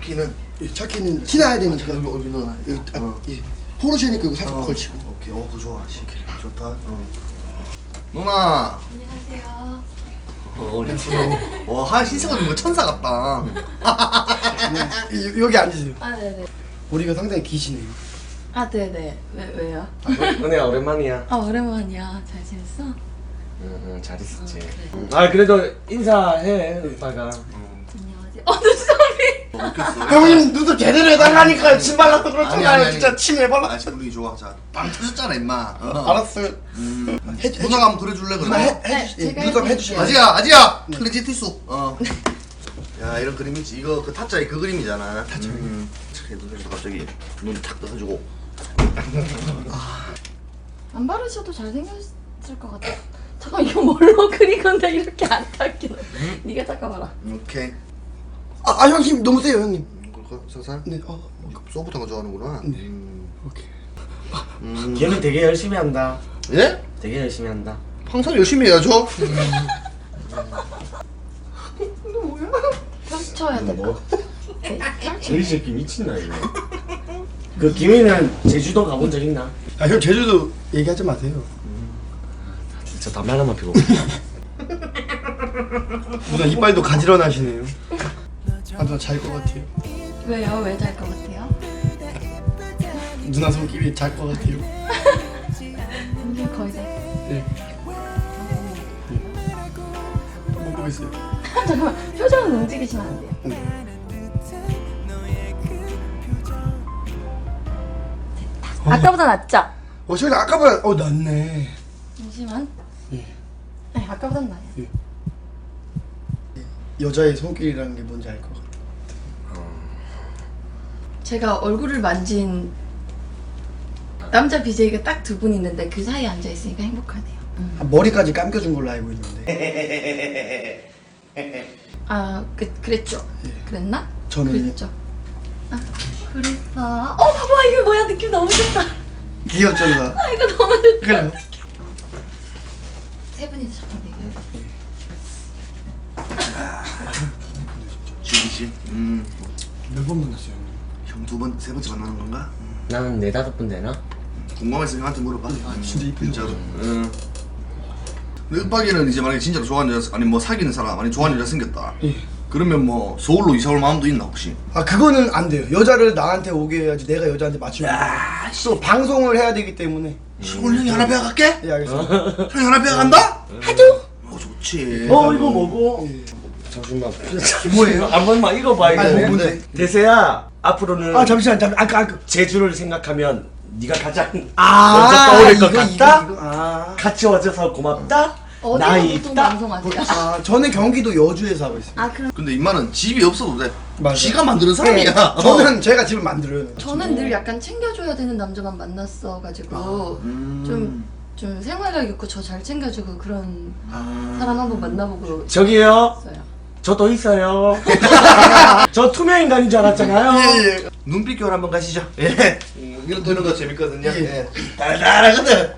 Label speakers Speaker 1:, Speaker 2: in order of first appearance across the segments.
Speaker 1: 차키는?
Speaker 2: 차키는 티나야 되니까
Speaker 1: 여기 넣어놔.
Speaker 2: 여기 포르쉐니까 이거 살짝 걸치고.
Speaker 1: 오케이. 그거 좋아. 좋다. 누나.
Speaker 3: 안녕하세요.
Speaker 1: 와, 한 신세가 뭐 천사 같다.
Speaker 2: 여기 앉으세요.
Speaker 3: 아, 네네.
Speaker 2: 머리가 상당히 기시네요.
Speaker 3: 아, 네네. 왜요?
Speaker 4: 은혜야 오랜만이야.
Speaker 3: 아, 오랜만이야. 잘 지냈어?
Speaker 4: 응, 잘 있었지.
Speaker 3: 그래.
Speaker 4: 아 그래도 인사해 오빠가.
Speaker 3: 안녕하세요. 눈썹이.
Speaker 2: 형님 눈썹 제대로 해달라니까요. 침 발라서 그렇잖아요.
Speaker 1: 아니.
Speaker 2: 진짜 침 해발라.
Speaker 1: 아, 분위기 좋아. 자, 빵 터졌잖아, 임마.
Speaker 2: 알았어요.
Speaker 1: 누나가 한번 그려줄래,
Speaker 2: 누나
Speaker 1: 그럼?
Speaker 3: 제가
Speaker 2: 눈썹
Speaker 3: 해드릴게요.
Speaker 2: 해주세요.
Speaker 1: 아지야! 클리지 티수. 야, 이런 그림이지. 이거 그 타짜의 그 그림이잖아. 타짜. 눈에서 갑자기 눈이 탁 떠가지고.
Speaker 3: 안 바르셔도 잘생겼을 것 같아. 잠깐, 이거 뭘로 그린 건데 이렇게 안 닦여. 네가 닦아봐라.
Speaker 1: 오케이.
Speaker 2: 형 힘 너무 세요 형님.
Speaker 1: 그럴까? 살살?
Speaker 2: 네.
Speaker 1: 소프트한 거 좋아하는구나.
Speaker 2: 네. 오케이.
Speaker 4: 걔는 되게 열심히 한다.
Speaker 1: 예?
Speaker 4: 되게 열심히 한다.
Speaker 1: 항상 열심히 해야죠.
Speaker 3: 펼쳐야 돼.
Speaker 4: 뭐?
Speaker 3: 네,
Speaker 4: 이 새끼 미친나 이거. 그 김이는 제주도 가본 적 있나?
Speaker 2: 형 제주도 얘기하지 마세요.
Speaker 4: 진짜 담배 하나만 피고.
Speaker 2: 누나 이빨도 가지런하시네요. 누나 잘 것 같아요.
Speaker 3: 왜요? 왜 잘 것 같아요?
Speaker 2: 누나 손길이 잘 것 같아요.
Speaker 3: 이게 거의 다.
Speaker 2: 네. 한번 보겠어요.
Speaker 3: 잠깐만, 표정은 움직이시면 안 돼요. 아까보다 낫죠?
Speaker 2: 저기 아까보다 낫네.
Speaker 3: 잠시만.
Speaker 2: 예.
Speaker 3: 네, 아까보다 나아요.
Speaker 2: 여자의 손길이라는 게 뭔지 알 것 같아.
Speaker 3: 제가 얼굴을 만진 남자 BJ가 딱 두 분 있는데 그 사이에 앉아 있으니까 행복하네요.
Speaker 2: 머리까지 감겨준 걸로 알고 있는데.
Speaker 3: 아, 그랬죠? 그랬나?
Speaker 2: 저는
Speaker 3: 그랬죠. 아, 그랬어. 봐봐, 이거 뭐야? 느낌 너무 좋다.
Speaker 2: 귀엽죠 누나.
Speaker 3: 아, 이거 너무 좋다.
Speaker 2: 그래요.
Speaker 3: 세 분이서 잠깐 얘기해.
Speaker 1: 지기지.
Speaker 2: 몇 번 만났어요 형님?
Speaker 1: 형 세 번째 만나는 건가?
Speaker 4: 나는 4-5분 되나?
Speaker 1: 궁금해서 형한테 물어봐.
Speaker 2: 진짜 이쁜
Speaker 1: 진짜로. 근데 윽박이는 이제 만약에 진짜로 좋아하는 여자, 아니 뭐 사귀는 사람, 아니 좋아하는 여자 생겼다.
Speaker 2: 예.
Speaker 1: 그러면 뭐 서울로 이사 올 마음도 있나 혹시?
Speaker 2: 그거는 안 돼요. 여자를 나한테 오게 해야지 내가 여자한테 맞추면 안 돼요. 또 방송을 해야 되기 때문에.
Speaker 1: 오늘 형이 하나 배워갈게?
Speaker 2: 예 알겠습니다.
Speaker 1: 형이 하나 배워간다?
Speaker 2: 하죠.
Speaker 1: 좋지.
Speaker 4: 이거 뭐고?
Speaker 2: 예.
Speaker 4: 잠시만.
Speaker 2: 뭐예요?
Speaker 4: 한 번만 읽어봐 이거.
Speaker 2: 아니, 뭔데?
Speaker 4: 대세야 앞으로는
Speaker 2: 잠시만
Speaker 4: 제주를 생각하면 네가 가장 먼저
Speaker 2: 아
Speaker 4: 떠오를 것
Speaker 2: 이거,
Speaker 4: 같다.
Speaker 2: 이거.
Speaker 4: 같이 와줘서 고맙다.
Speaker 3: 어디서
Speaker 4: 나이
Speaker 3: 보통
Speaker 4: 있다.
Speaker 3: 방송하세요?
Speaker 2: 저는 경기도 여주에서 하고 있어요.
Speaker 3: 아, 그럼
Speaker 1: 근데 임마는 집이 없어도 돼.
Speaker 2: 맞아.
Speaker 1: 지가 만드는 사람이야.
Speaker 2: 저는 제가 집을 만들어요.
Speaker 3: 저는 늘 약간 챙겨줘야 되는 남자만 만났어가지고 좀 생활력 있고 저 잘 챙겨주고 그런 사람 한번 만나보고
Speaker 4: 저기요.
Speaker 3: 있어요.
Speaker 4: 저도 있어요. 저 투명 인간인 줄 알았잖아요.
Speaker 2: 예.
Speaker 1: 눈빛 교환 한번 가시죠. 예. 이런 도는 거 재밌거든요.
Speaker 2: 예.
Speaker 1: 예. 달달하거든.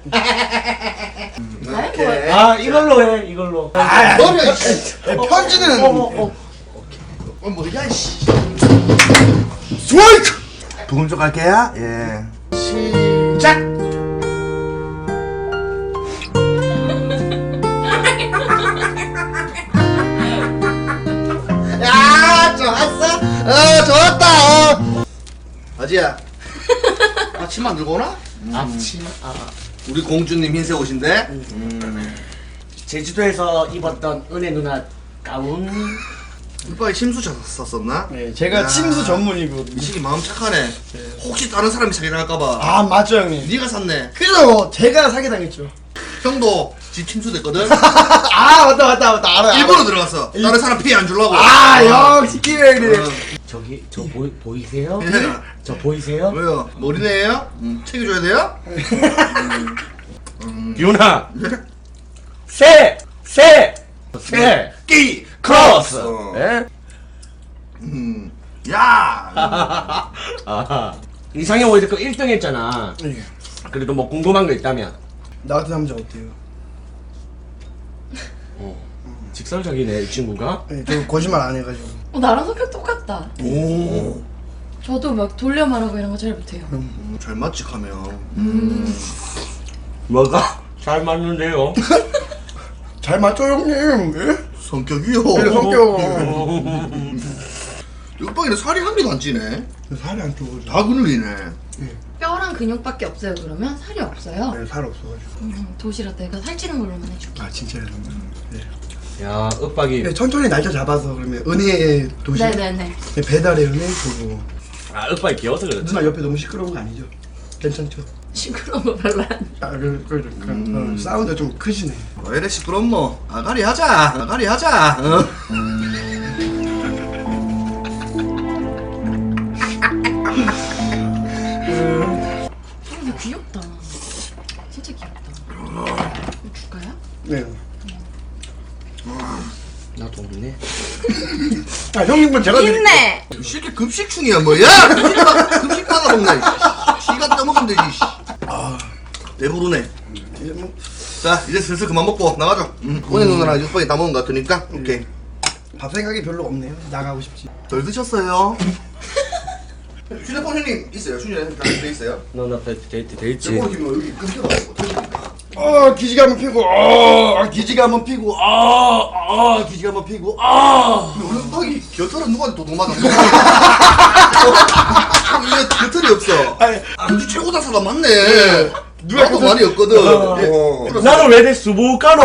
Speaker 3: 아이고,
Speaker 4: 아 이걸로 해 이걸로.
Speaker 1: 너는
Speaker 2: 편지는
Speaker 1: 뭐야 씨.
Speaker 2: 스트라이크.
Speaker 1: 부금 좀 갈게요. 예. 시작. 야, 좋았어. 좋았다. 아지야. 아침 안 들고 오나?
Speaker 4: 앞치.
Speaker 1: 우리 공주님 흰색 옷인데.
Speaker 4: 제주도에서 입었던 은혜 누나 가운.
Speaker 1: 오빠가 침수 샀었나?
Speaker 2: 네, 제가
Speaker 1: 야.
Speaker 2: 침수 전문이거든요.
Speaker 1: 미식이 마음 착하네. 혹시 다른 사람이 사기 당할까봐.
Speaker 2: 맞죠 형님.
Speaker 1: 네가 샀네.
Speaker 2: 그래서 제가 사기당했죠.
Speaker 1: 형도 집 침수 됐거든.
Speaker 2: 맞다 알아요.
Speaker 1: 일부러 들어갔어. 다른 사람 피해 안 주려고.
Speaker 2: 역시 기회를.
Speaker 4: 저기 저 보이세요?
Speaker 1: 예.
Speaker 4: 저 보이세요?
Speaker 1: 왜요? 머리네예요? 챙겨줘야 돼요?
Speaker 4: 유나. 새.
Speaker 1: 끼
Speaker 4: 크로스.
Speaker 1: 어.
Speaker 4: 예?
Speaker 1: 야.
Speaker 4: 아하. 이상형 월드컵 1등 했잖아.
Speaker 2: 예.
Speaker 4: 그래도 뭐 궁금한 거 있다면.
Speaker 2: 나 같은 남자 어때요?
Speaker 4: 직설적이네 이 친구가.
Speaker 2: 네, 저 거짓말 안 해가지고.
Speaker 3: 나랑 성격 똑같다.
Speaker 1: 오.
Speaker 3: 저도 막 돌려 말하고 이런 거 잘 못해요.
Speaker 1: 잘 맞지 가면.
Speaker 4: 뭐가? 잘 맞는데요.
Speaker 2: 잘 맞죠 형님? 예?
Speaker 1: 성격이요.
Speaker 2: 네, 성격.
Speaker 1: 육박이는 살이 한 개도 안 찌네.
Speaker 2: 살이 안 쪄가지고.
Speaker 1: 다 근육이네.
Speaker 3: 뼈랑 근육밖에 없어요. 그러면 살이 없어요.
Speaker 2: 네, 살 없어가지고.
Speaker 3: 도시락 내가 살찌는 걸로만 해줄게.
Speaker 2: 아 진짜요? 네.
Speaker 4: 야 윽박이.
Speaker 2: 네, 천천히 날짜 잡아서 그러면 은혜의 도시.
Speaker 3: 네네네.
Speaker 2: 네, 배달의 은혜 보고.
Speaker 4: 아 윽박이 귀여워서 그렇지.
Speaker 2: 누나 옆에 너무 시끄러운 거 아니죠? 괜찮죠?
Speaker 3: 시끄러운 거 별로 안.
Speaker 2: 사운드 좀 크시네.
Speaker 1: 왜 이래 시끄럽노? 아가리 하자. 아가리 하자. 어?
Speaker 3: 근데 귀엽다. 진짜 귀엽다. 이거 줄까요?
Speaker 2: 네.
Speaker 4: 나도 없네.
Speaker 2: 아 형님 건 제가 드릴게요.
Speaker 3: 있네.
Speaker 1: 이 새끼 급식충이야 뭐야? 급식 받아 먹나? 시간 떠먹으면 되지. 배부르네.
Speaker 2: 이제 뭐
Speaker 1: 자 이제 슬슬 그만 먹고 나가자. 오늘 누나랑 육박이 다 먹은 것 같으니까 오케이.
Speaker 2: 밥 생각이 별로 없네요. 나가고 싶지.
Speaker 1: 덜 드셨어요? 휴대폰 형님 있어요? 휴대폰 돼 있어요?
Speaker 4: 너나 데이트 돼 있지.
Speaker 1: 휴대폰 키면 여기 끊겨가지고
Speaker 2: 기지개 한번 피고. 기지개 한번 피고. 기지개 한번 피고.
Speaker 1: 오늘 육박이 겨털은 누구한테 도둑 맞았어? 이게 겨털이 없어. 우리 최고다 사람 맞네. 나도 많이 없거든.
Speaker 4: 나는 왜 내 수부가로?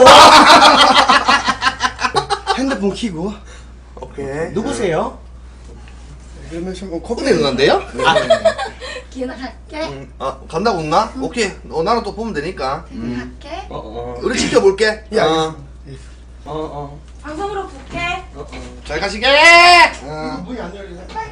Speaker 2: 핸드폰 키고.
Speaker 1: 오케이.
Speaker 4: 누구세요?
Speaker 2: 그러면 좀
Speaker 1: 커플이 응한데요?
Speaker 3: 기나 갈게.
Speaker 1: 간다고 누나? 오케이. 나는 또 보면 되니까.
Speaker 3: 갈게.
Speaker 1: 우리 지켜볼게.
Speaker 2: 예,
Speaker 3: 방송으로 볼게.
Speaker 1: 잘 가시게.
Speaker 2: 문이 안 열리네.